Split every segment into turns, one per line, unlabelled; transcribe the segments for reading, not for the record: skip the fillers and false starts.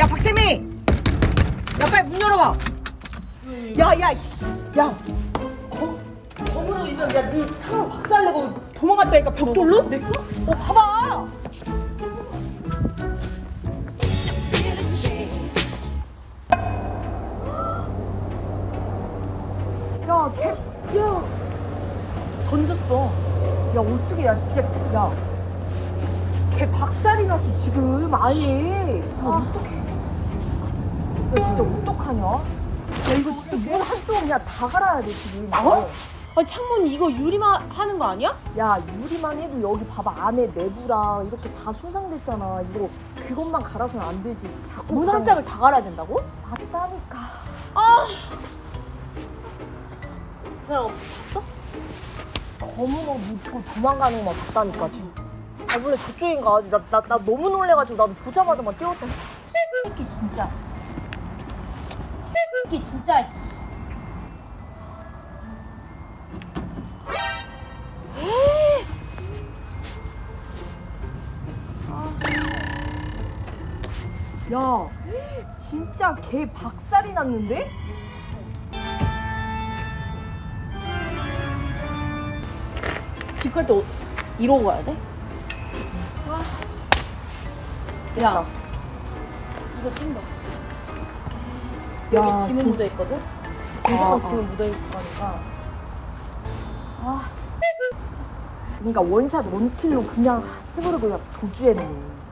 야 박세미! 야 빨리 문 열어봐. 야야 씨. 야 검으로 이면 야네 차로 박살내고 도망갔다니까 벽돌로? 내 거? 봐봐. 야 걔 야 던졌어. 야 어떻게 야 진짜 야 걔 박살이 났어 지금 아예. 어떡해. 야 진짜 어떡하냐? 야 이거 진짜 문 한쪽 그냥 다 갈아야 돼 지금.
어? 아니 창문 이거 유리만 하는 거 아니야?
야 유리만 해도 여기 봐봐 안에 내부랑 이렇게 다 손상됐잖아. 이거 그것만 갈아서는 안 되지. 자꾸
문 한 짝을 다 갈아야 된다고?
맞다니까.
그 사람 봤어?
검은 옷 입고 도망가는 것만 봤다니까 지금. 아 원래 저쪽인가? 나 너무 놀래가지고 나도 보자마자 막 뛰었다.
새끼 진짜. 새끼 진짜. 씨.
야 진짜 걔 박살이 났는데?
집 갈 때 이러고 가야 돼? 야 이거 챙겨. 여기 지문
진-
묻어있거든?
무조건 지금 묻어있을 거니까. 아 그러니까 원샷 원킬로 그냥 해버리고 그냥 도주했네.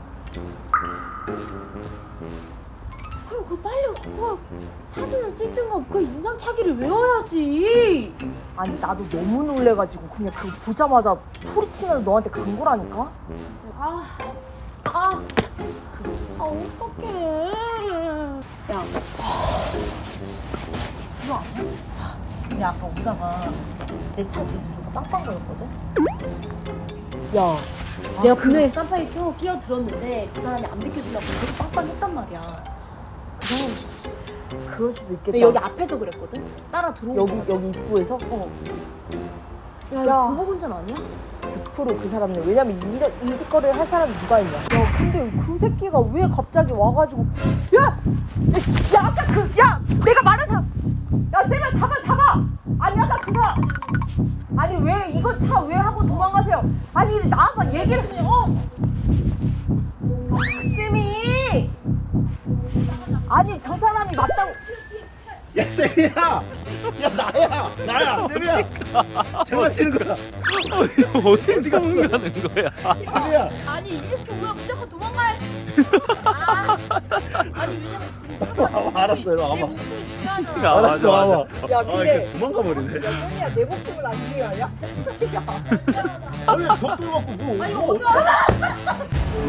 그럼 그 빨리 그거 사진을 찍든가 그 인상착의를 외워야지.
아니 나도 너무 놀래가지고 그냥 그거 보자마자 소리치면서 너한테 간 거라니까?
어떡해. 야.
이거 아니야? 근데 아까 오다가 내 차 뒤에서 누가 빵빵 거렸거든? 야
내가 분명히 쌈파에 끼어 들었는데 그 사람이 안 비켜주려고 계속 빵빵했단 말이야. 그 사람
그럴 수도 있겠다.
근데 여기 앞에서 그랬거든? 따라 들어오고
여기 입구에서?
야,
야.
야. 보복 운전 아니야?
100%그 사람이네. 왜냐면 이 짓거리를 할 사람이 누가 있냐? 야 근데 그 새끼가 왜 갑자기 와가지고 야 아까 내가 말한 사람 야 내가 잡아 아니 아까 그 사람 아니 왜 이거 차 왜 하고 도망가세요? 아니 나와서 얘기를 쌤이 아니 저 사람이 맞다고.
야 세미야, 야 나야 세미야. 장난치는 거야.
어디 도망가는 거야?
세미야.
아니 이렇게 오면 무조건 도망가야지. 아니 왜냐면 진짜
알았어, 이리 와봐.
내 목숨이 중요하잖아.
알았어, 와봐.
야
아,
근데
이렇게 도망가 버리네.
야 쌤이야 내 목숨은 안 중요하냐?
아니 벽돌 갖고 뭐?
아 이거 어떡해.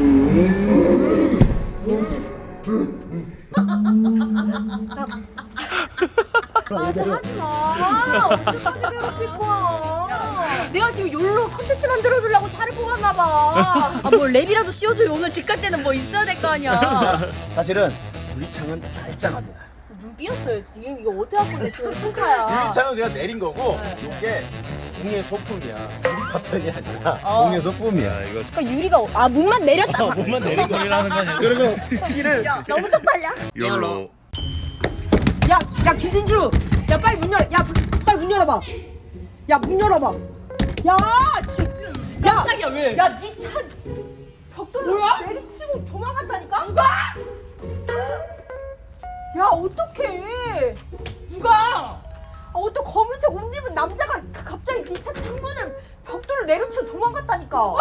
아 진짜 하지마. 언제까지 괴롭힐 거야. 내가 지금 욜로 컨텐츠 만들어주려고 차를 뽑았나봐. 아뭐 랩이라도 씌워줘요. 오늘 집 갈 때는 뭐 있어야 될 거 아니야.
사실은 우리 창은 말짱합니다.
눈 삐었어요 지금. 이거 어떻게 갖고 계시는 콩카야.
우리 창은 그냥 내린 거고 이게 공의 소품이야. 우리 파편이 아니라 공의 소품이야.
야 이거
그러니까 유리가 문만 내렸다.
몸만 내린 소리라는 거 아니야?
그리고 키를
너무 쪽팔려.
열로
야 김진주 야 빨리 문 열어. 야 빨리 문 열어봐. 야 문 열어봐. 야 지금 깜짝이야 왜? 야 니 차 벽돌로 내리치고 도망갔다니까? 누가? 야 어떡해? 누가? 어떤 검은색 옷 입은 남자가 갑자기 니 차 창문을 벽돌로 내리치고 도망갔다니까. 와!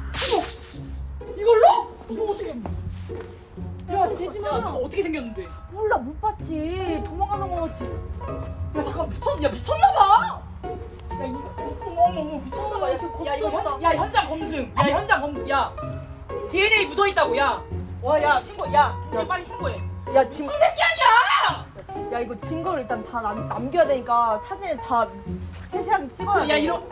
이걸로? 이거 어떻게? 야 되지마.
어떻게 생겼는데?
몰라 못 봤지. 도망가는 거 같지.
야 잠깐 미쳤나봐. 야 이거 어머 미쳤나봐. 야 이거 현장 검증. 야 현장 검증. 야 DNA 묻어 있다고. 야 와 야 신고. 야 김치 빨리 신고해.
야 지금
새끼 아니야.
야 이거 증거를 일단 다 남겨야 되니까 사진을 다 세세하게 찍어야 돼.
야 이런.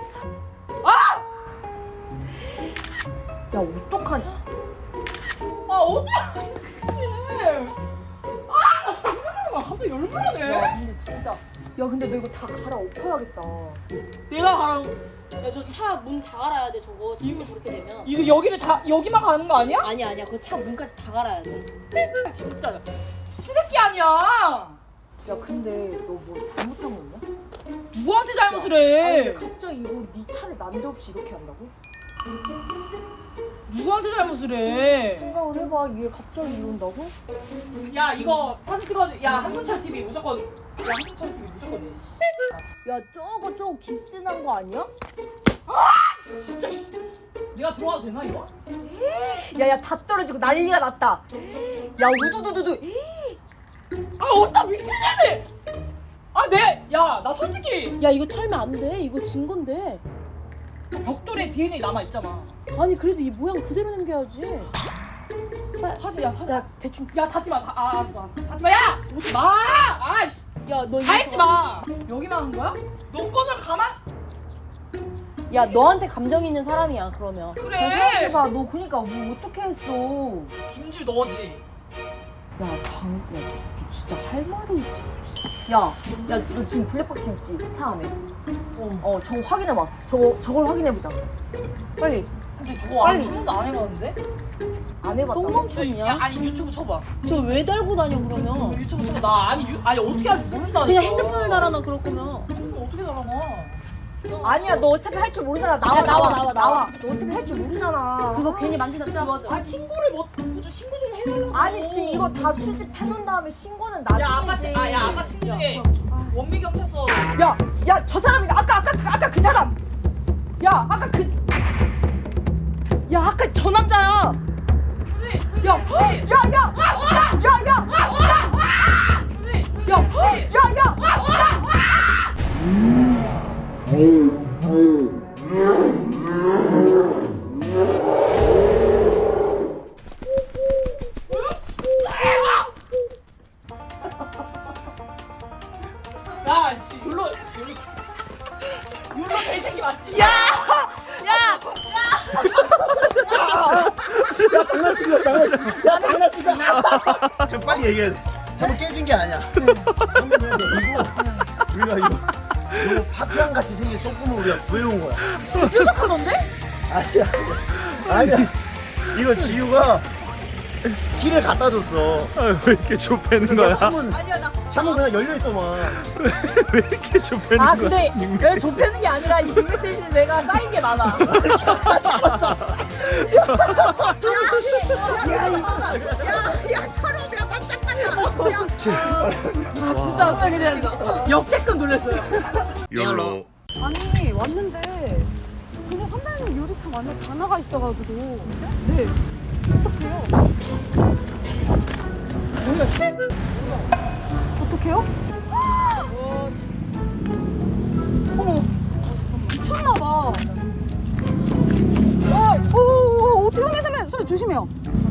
야 어떡하냐?
아 어떡해. 아 나 진짜 생각해보면 갑자기 열불나네.
야 근데 진짜 야 근데 너 이거 다 갈아엎어야겠다.
내가 가라고.
야 저 차 문 다 갈아야 돼 저거. 지금 저렇게 되면.
이거 여기를 다 여기만 가는 거 아니야?
아니야 그 차 문까지 다 갈아야 돼.
진짜 시새끼 아니야.
야 근데 너 뭐 잘못한 거 없냐?
누구한테 잘못을
아니
해?
근데 갑자기 이거 네 차를 난데없이 이렇게 한다고?
누구한테 잘못을 해?
생각을 해봐. 이게 갑자기 이런다고?
야 이거 사진 찍어줘. 야 한문철 TV 무조건. 야 한문철 TV 무조건 해.
야 저거 기스난 거 아니야?
진짜 씨. 내가 들어와도 되나 이거?
야야 다 떨어지고 난리가 났다. 야 우두두두두.
아 어따 미친년이! 아 네! 야나 솔직히
야 이거 털면 안 돼. 이거 진 건데.
벽돌에 DNA 남아있잖아.
아니 그래도 이 모양 그대로 남겨야지.
사진 야 사진.
야 대충.
야 닫지마. 알았어. 닫지마. 야! 오지 마! 아이씨.
야 너
다 했지 마. 여기만 한 거야? 너 거는 가만?
야 너한테 감정 있는 사람이야 그러면.
그래.
생각해봐. 너 그니까 뭐 어떻게 했어?
김주 너지.
야 너 진짜 할 말이 있지. 야 너 지금 블랙박스 있지? 차 안에. 저거 확인해봐. 저걸 확인해보자. 빨리.
근데 저거
빨리.
한 번도 안 해봤는데?
안 해봤다고?
똥멍청이냐?
야 아니 유튜브 쳐봐.
저 왜 달고 다녀 그러면?
유튜브 쳐봐. 나 아니 어떻게 하지 모른다니까.
그냥 핸드폰을 달아놔 그럴 거면.
그럼 어떻게 달아놔?
아니야 너 어차피 할 줄 모르잖아. 나와.
야, 나와.
너 어차피 할 줄 모르잖아.
그거 괜히 만지다 지워져.
아 신고를 신고 좀 해달라고.
아니 지금 이거 다 수집해놓은 다음에 신고는 나중이지.
야 아까 친구 중에 원미 경찰서.
야 저 사람이 아까 그 사람. 야 아까 아까 저 남자야.
야, 씨, 율로 개새끼 맞지?
야 장난친 거야. 좀 빨리 얘기해. 잠깐 깨진 게 아니야. 잠깐만 이거 우리가 이거 파편 같이 생긴 소품을 우리가 구해온 거야.
뾰족하던데?
아니야. 이거 지우가 길에 갖다 줬어.
왜 이렇게 좁히는 거야?
창문 그냥 열려 있더만.
왜 이렇게 좁히는
아
거야?
근데 왜 좁히는 게 아니라 이 빅맥 대신 내가 쌓인 게 많아. 진짜 어떻게 그냥 역대급 놀랐어요.
욜로.
아니 왔는데 그냥 선배님 유리창 안에 다 나가 있어가지고 네 어떡해요? 어머 미쳤나봐. 어떻게 선배 조심해요.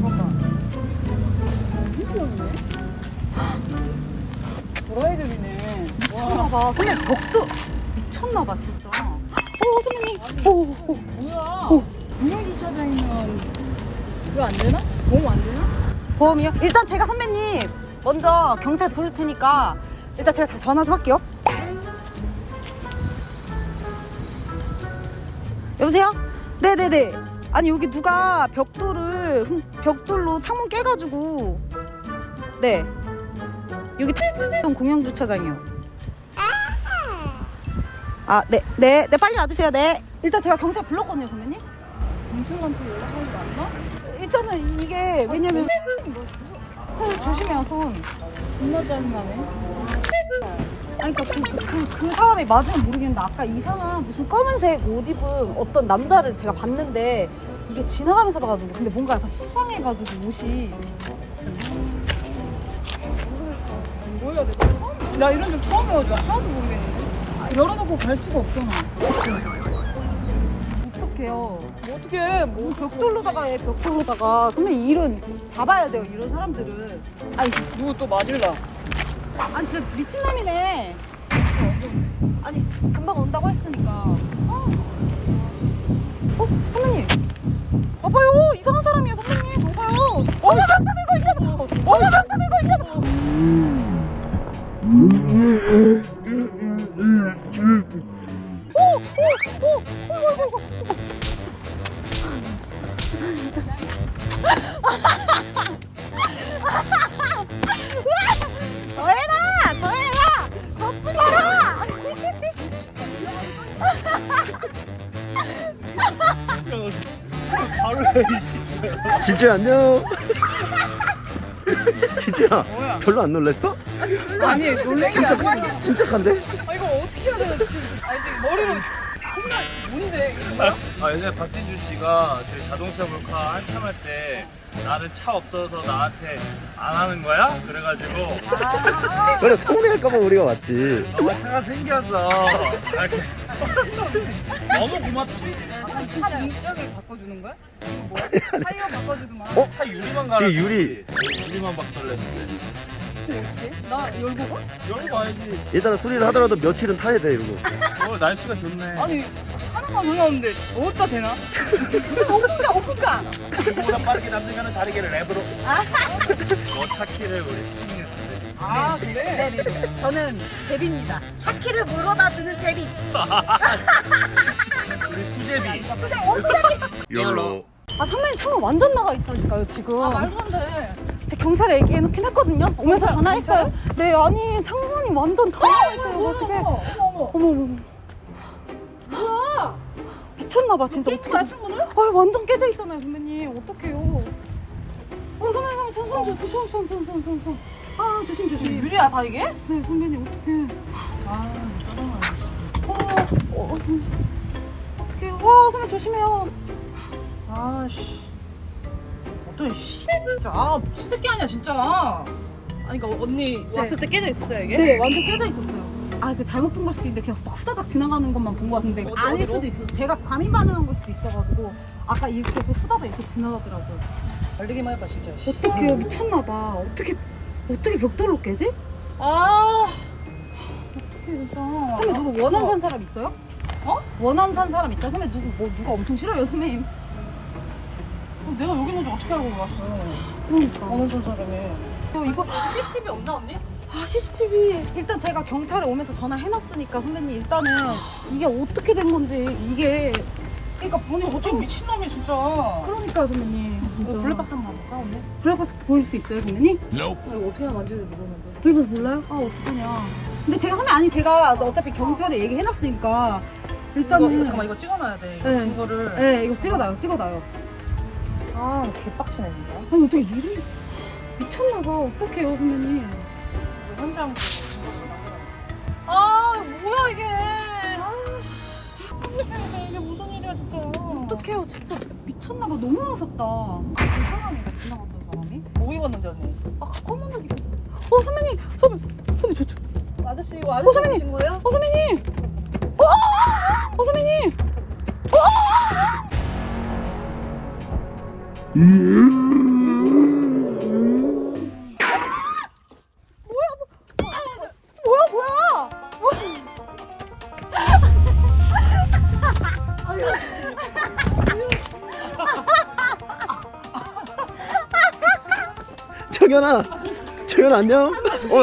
도라이들이네.
미쳤나봐. 선배 벽도 미쳤나봐 진짜. 선배님.
뭐야? 공영주차장이면 이거 안 되나? 보험 안 되나?
보험이요? 일단 제가 선배님 먼저 경찰 부를 테니까 일단 제가 전화 좀 할게요. 여보세요? 네네네. 아니 여기 누가 벽돌로 창문 깨가지고 네 여기 공영주차장이요. 네 빨리 와주세요. 네 일단 제가 경찰 불렀거든요 선배님.
경찰한테 연락하는 거 안 나?
일단은 이게 왜냐면 조심해요 손.
존나 짜증나네.
아니 그러니까 그 사람이 맞으면 모르겠는데 아까 이 사람 무슨 검은색 옷 입은 어떤 남자를 제가 봤는데 이게 지나가면서 봐가지고 근데 뭔가 약간 수상해가지고 옷이
뭐 해야 돼? 나 이런 적 처음 해가지고 하나도 모르겠는데. 열어놓고 갈 수가 없잖아.
어떡해요.
뭐 어떻게 해? 뭐
벽돌로다가 해 벽돌로다가 선배님 일은 잡아야 돼요 이런 사람들은. 아니
누구 또 맞을라?
아니 진짜 미친놈이네. 아니 금방 온다고 했으니까. 선배님 봐봐요 이상한 사람이야 선배님 봐봐요. 어머 강도 들고 있잖아. 어머 강도 들고 있잖아. 더 해라! 더 해라! 더 부셔라!
바로 해.
진짜 안녕. 진짜 별로 안 놀랬어?
아니 놀래기 아니야.
침착한데?
아 이거 어떻게 해야 되나 지금. 아니 지금 머리로 정말 뭔데 이거 뭐야?
아 예전에 박진주 씨가 저희 자동차 몰카 한참 할 때 나는 차 없어서 나한테 안 하는 거야? 그래가지고
그래 서운해할까봐 우리가 왔지.
차가 생겨서 이렇게 너무 고맙지.
차 문짝을 바꿔주는 거야? 이거 뭐야? 타이어 바꿔주든 말.
어?
차 유리만 갈아.
지금 유리.
유리만 박살냈는데.
나 열고 가?
열고 와야지.
일단은 수리를 하더라도 며칠은 타야 돼 이러고.
날씨가 좋네.
아니 하는 건 상관없는데 어디다 대나? 오픈가.
그보다 빠르게 남들과는 다르게 랩으로. 너 차키를 우리 시키는데.
아 그래?
네네네. 저는 제비입니다. 차키를 물어다 주는 제비.
우리 수제비.
열로.
아 선배님 창문 완전 나가 있다니까요 지금.
아 말도 안 돼.
제가 경찰에 얘기해놓긴 했거든요. 오면서 전화했어요. 네 아니 창문이 완전 다 나가 있어요. 어떡해. 어머.
뭐야?
미쳤나봐 진짜.
깨진 거야 창문을?
아 완전 깨져 있잖아요 선배님. 어떡해요. 선배님 손. 아 조심.
유리야 다 이게?
네 선배님 어떡해.
아 짜증나.
어떡해요. 와 선배님 조심해요.
아씨 어떤 씨 진짜 아 미친 새끼 아니야 진짜.
아니 그러니까 언니 왔을 때 깨져 있었어요 이게?
네 완전 깨져 있었어요. 아 그 잘못 본 걸 수도 있는데 그냥 막 후다닥 지나가는 것만 본 것 같은데 아닐 수도 있어. 제가 감히 반응한 걸 수도 있어가지고 아까 이렇게 해서 후다닥 이렇게 지나가더라고요.
달리기만 해봐 진짜.
어떡해요 미쳤나봐. 어떻게 벽돌로 깨지?
아
진짜. 선배 누구 원한 산 사람 있어요? 원한 산 사람 있어요? 선배 누가 엄청 싫어요 선배님.
내가 여기 있는 줄 어떻게 알고 왔어?
그러니까.
어느 জন 사람이?
이거
CCTV 없나 언니?
아 CCTV 일단 제가 경찰에 오면서 전화해놨으니까 선배님 일단은 이게 어떻게 된 건지 이게
그러니까 본인 어떻게 미친놈이 진짜.
그러니까 선배님 진짜.
블랙박스 한번 봐볼까 언니?
블랙박스 보일 수 있어요 선배님?
이거 어떻게 하나 만지는지 모르는데.
블랙박스 몰라요? 아 어떡하냐. 근데 제가 선배 아니 제가 어차피 경찰에 얘기해놨으니까 일단은
이거, 잠깐만 이거 찍어놔야 돼. 이거
네.
증거를.
네 이거 찍어놔요.
아 개빡치네 진짜.
아니 어떻게 이리 미쳤나봐. 어떡해요 선배님.
이거 현장. 아 뭐야 이게. 이게 무슨 일이야 진짜.
어떡해요 진짜 미쳤나봐. 너무 무섭다. 그 사람이가 지나갔던 사람이?
뭐 입었는데 언니?
아 검은 옷 입었어. 선배님 저
아저씨 이거 아저씨
선배님!
오신 거예요?
선배님! 선배님! 뭐야?
정연아 안녕.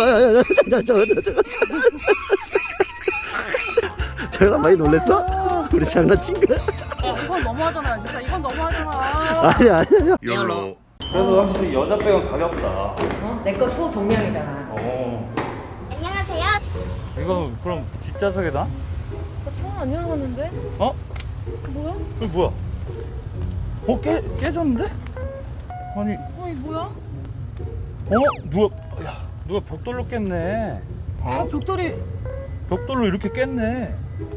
정연아 많이 놀랬어? 우리 장난친 거야?
이건 너무하잖아 진짜 이건 너무하잖아.
아니야.
열로. 그래도 확실히 여자 백은 가볍다.
내 거 초동량이잖아.
안녕하세요.
이거 그럼 뒷좌석에다?
창문 안 열어놨는데?
어?
뭐야?
이거 뭐야? 깨졌는데? 아니.
어이 뭐야?
누가 벽돌로 깼네.
벽돌이.
벽돌로 이렇게 깼네.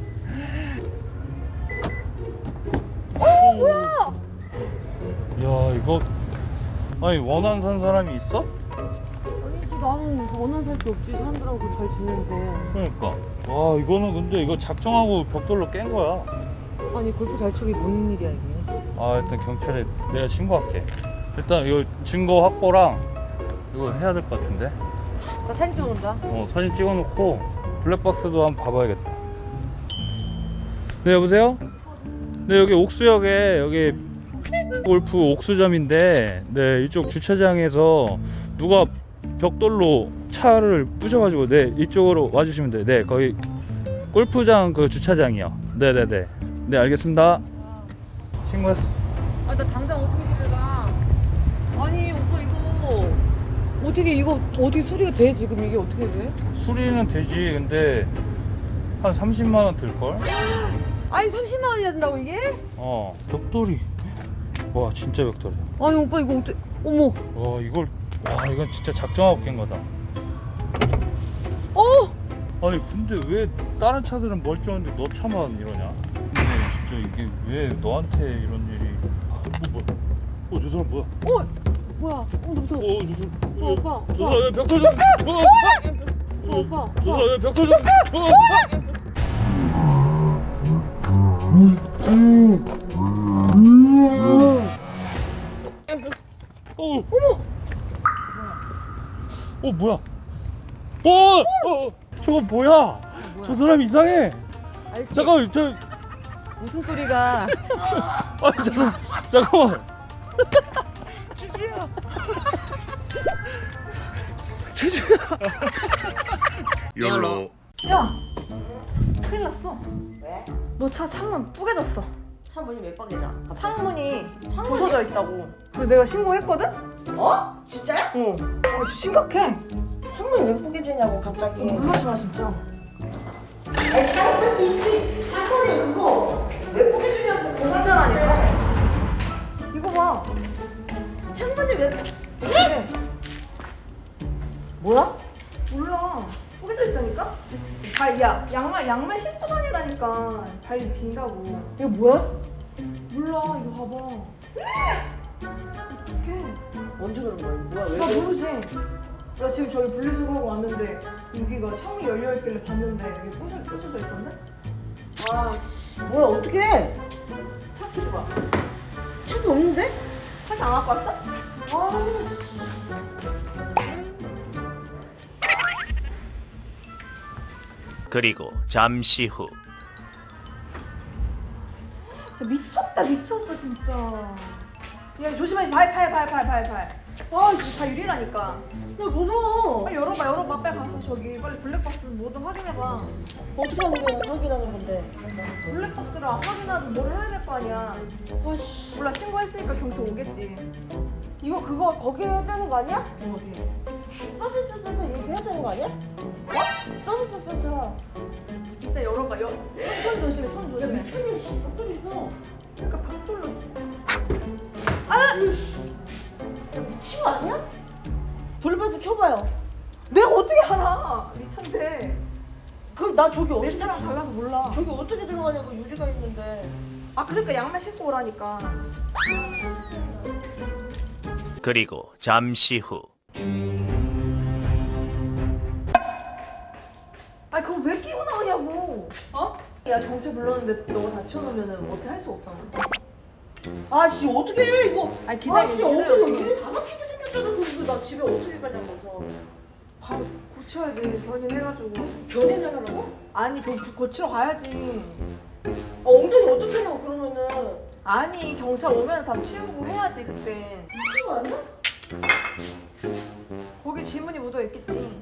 뭐야?
야 이거 아니 원한 산 사람이 있어?
아니지 나는 원한 살 게 없지. 사람들하고 잘 지내는데.
그러니까. 와 이거는 근데 이거 작정하고 벽돌로 깬 거야.
아니 골프 잘 치기 뭔 일이야 이게.
아 일단 경찰에 내가 신고할게. 일단 이거 증거 확보랑 이거 해야 될 것 같은데.
나 사진 찍어놓자.
사진 찍어놓고 블랙박스도 한번 봐봐야겠다. 네 여보세요? 네 여기 옥수역에 여기 골프 옥수점인데 네 이쪽 주차장에서 누가 벽돌로 차를 부셔가지고 네 이쪽으로 와주시면 돼요. 네 거기 골프장 그 주차장이요. 네네네. 네 알겠습니다. 신고했어.
아 나 당장 어떻게 집에 가? 아니 오빠 이거 어떻게 수리가 돼 지금 이게 어떻게 돼?
수리는 되지. 근데 한 30만 원 들걸?
아니 30만 원이야 된다고 이게?
벽돌이. 와 진짜 벽돌이야.
아니 오빠 이거 어떻게? 어머.
와 이건 진짜 작정하고 깬 거다. 아니 근데 왜 다른 차들은 멀쩡한데 너 차만 이러냐? 근데 진짜 이게 왜 너한테 이런 일이? 저 사람 뭐야?
뭐야? 나 무서워.
저 사람.
오빠.
저 사람 왜 벽돌 좀.
오빠.
저 사람 왜 벽돌 좀. 뭐야? 저거 뭐야? 저 사람 이상해.
아저씨,
잠깐만, 저
무슨 소리가?
잠깐만.
열로.
야 큰일 났어.
왜?
너 차 창문 뿌개졌어.
창문이 왜 빠개져?
창문이
창문이?
부서져 있다고. 그래서 내가 신고했거든?
어? 진짜야?
어. 심각해.
창문이 왜 빠개지냐고 갑자기.
놀라지 마 진짜.
아니 창문이 그거 왜 빠개지냐고 고사장하니까.
이거 봐.
창문이 왜
그래.
뭐야?
몰라. 뿌개져 있다니까? 야 양말 신고 다니라니까. 발 빈다고.
이거 뭐야?
몰라 이거 봐봐. 어떡해.
언제 그런 거야? 뭐야? 왜
나
그래?
모르지. 나 지금 저기 분리수거하고 왔는데 여기가 창이 열려있길래 봤는데 여기 부서져 있던데?
아씨 뭐야 어떡해?
차 키고 봐.
창이 없는데?
차안 갖고 왔어?
아씨
그리고 잠시 후
진짜 미쳤어 진짜. 야 조심해. 발. 아씨 다 유리라니까.
나 무서워.
빨리 열어봐. 빨리 가서 저기 빨리 블랙박스 뭐든 확인해봐.
어떻게 하는 거야? 확인하는 건데.
블랙박스를 안 확인하든 뭘 해야 될 거 아니야.
아씨
몰라 신고했으니까 경찰 오겠지.
이거 그거 거기 해야 되는 거 아니야?
어디?
서비스 센터 이렇게 해야 되는 거 아니야? 어? 서비스 센터.
일단 열어봐. 손 조심해.
야 미친년 씨 벽돌 있어.
그러니까 벽돌로.
야 미친 거 아니야? 블루베이스 켜봐요.
내가 어떻게 알아? 미쳤대.
그럼 나 저기
내
어떻게
차랑 달라서 몰라.
저기 어떻게 들어가냐고 유리가 있는데.
아 그러니까 양말 신고 오라니까.
그리고 잠시 후
아니 그거 왜 끼고 나오냐고. 어? 야 경찰 불렀는데 너가 다 치워놓으면 어떻게 할 수 없잖아.
아씨 어떻게 해 이거?
아니 기다려.
아씨 어떻게 유리 다 막히게 생겼잖아. 그거 나 집에 어떻게 가냐고.
바로 고쳐야지. 견인해가지고.
견인을 하라고?
아니 그거 고치러 가야지.
엉덩이 어떻게 하냐고 그러면은.
아니 경찰 오면 다 치우고 해야지 그때.
미친 거 아니야?
거기 지문이 묻어 있겠지.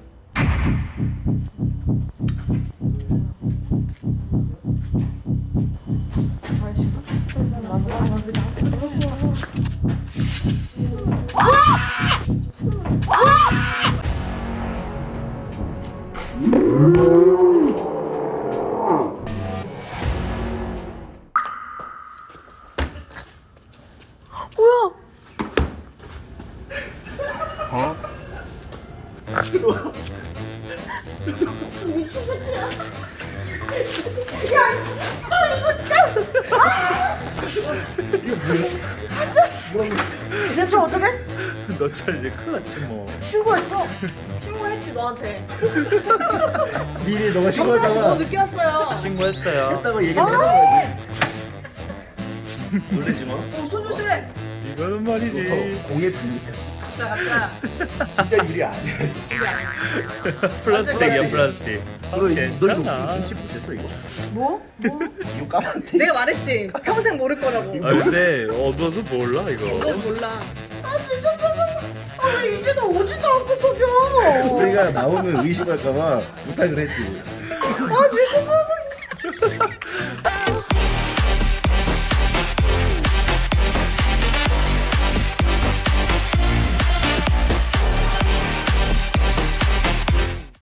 아이씨.
미친 새끼야.
대체 어떡해?
너 차 이제 큰일 났지 뭐.
신고했어. 신고했지 너한테.
미리 너가
경찰 씨 너무
신고했다가
늦게 왔어요.
신고했어요.
했다고 얘기를 해봐야지. 놀라지 마.
손 조심해.
이거는 말이지.
공예 분이
가자.
진짜 유리 아니야.
플라스틱이야 플라스틱.
너 이거
괜찮아.
눈치 못 챘어 이거?
뭐?
이거 까만데.
내가 말했지. 평생 모를 거라고.
아 근데 어두워서 몰라 이거.
너 몰라.
아 진짜 나 이제 나 오지도 않고 속여.
우리가 나오면 의심할까봐 부탁을 했지.
아 지금 보고